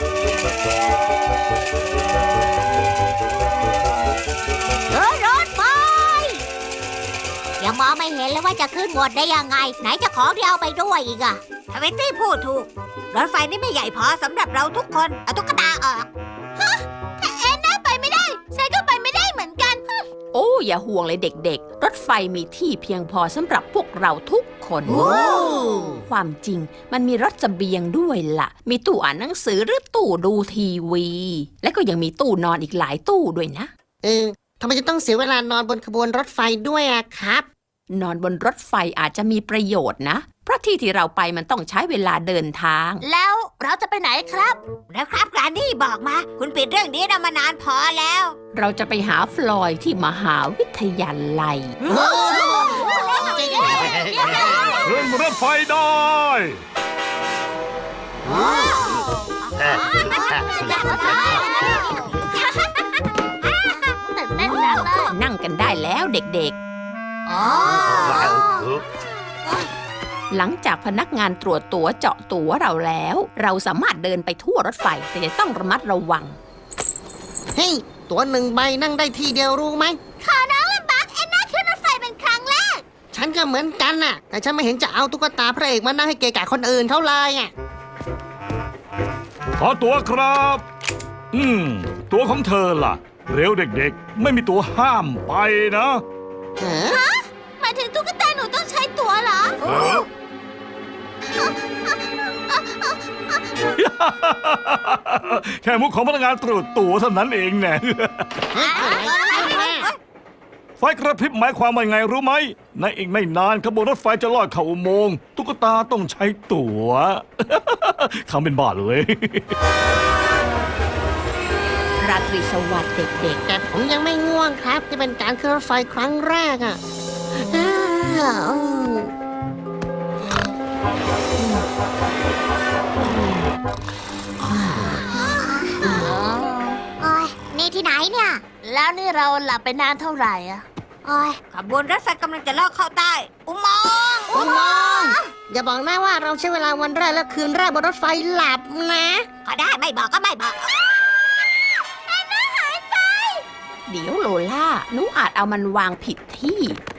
รถไฟยังมองไม่เห็นเลยว่าจะขึ้นหมดได้ยังไงไหนจะของที่เอาไปด้วยอีกอะทวิตตี้พูดถูกรถไฟนี่ไม่ใหญ่พอสำหรับเราทุกคนเอาตุ๊กตาออกถ้าแอนน่าไปไม่ได้ฉันก็ไปไม่ได้เหมือนกันโอ้อย่าห่วงเลยเด็กๆรถไฟมีที่เพียงพอสำหรับพวกเราทุกคน ความจริงมันมีรถเสบียงด้วยล่ะมีตู้อ่านหนังสือหรือตู้ดูทีวี และก็ยังมีตู้นอนอีกหลายตู้ด้วยนะทำไมจะต้องเสียเวลานอนบนขบวนรถไฟด้วยอะครับนอนบนรถไฟอาจจะมีประโยชน์นะเพราะที่เราไปมันต้องใช้เวลาเดินทางแล้วเราจะไปไหนครับแล้วครับแกรนดี้บอกมาคุณปิดเรื่องนี้มานานพอแล้วเราจะไปหาฟลอยด์ที่มหาวิทยาลัยขึ้นรถไฟได้นั่งกันได้แล้วเด็กๆหลังจากพนักงานตรวจตั๋วเจาะตั๋วเราแล้วเราสามารถเดินไปทั่วรถไฟแต่จะต้องระมัดระวังเฮ้ยตั๋ว1 ใบนั่งได้ที่เดียวรู้ไหมขอน้องลำบากแอนน่าขึ้นรถไฟเป็นครั้งแรกฉันก็เหมือนกันน่ะแต่ฉันไม่เห็นจะเอาตุ๊กตาพระเอกมานั่งให้เกะกะคนอื่นเขาเลยอ่ะขอตั๋วครับตั๋วของเธอล่ะเร็วเด็กๆไม่มีตั๋วห้ามไปนะฮะหมายถึงตุ๊กตาหนูต้องใช้ตั๋วเหรอแค่มุกของพนักงานตรวจตั๋วเท่านั้นเองแน่ไฟกระพริบหมายความว่าไงรู้ไหมในอีกไม่นานขบวนรถไฟจะลอดเข้าอุโมงค์ตุ๊กตาต้องใช้ตั๋วทำเป็นบ้าเลยราตรีสวัสดิ์เด็กๆแต่ผมยังไม่ง่วงครับที่เป็นการขึ้นรถไฟครั้งแรกอ่ะนี่ที่ไหนเนี่ยแล้วนี่เราหลับไปนานเท่าไหร่อะขบวนรถไฟกำลังจะลอดเข้าใต้อุโมงค์อย่าบอกนะว่าเราใช้เวลาวันแรกและคืนแรกบนรถไฟหลับนะก็ได้ไม่บอกก็ไม่บอกเดี๋ยวโลล่าหนูอาจเอามันวางผิดที่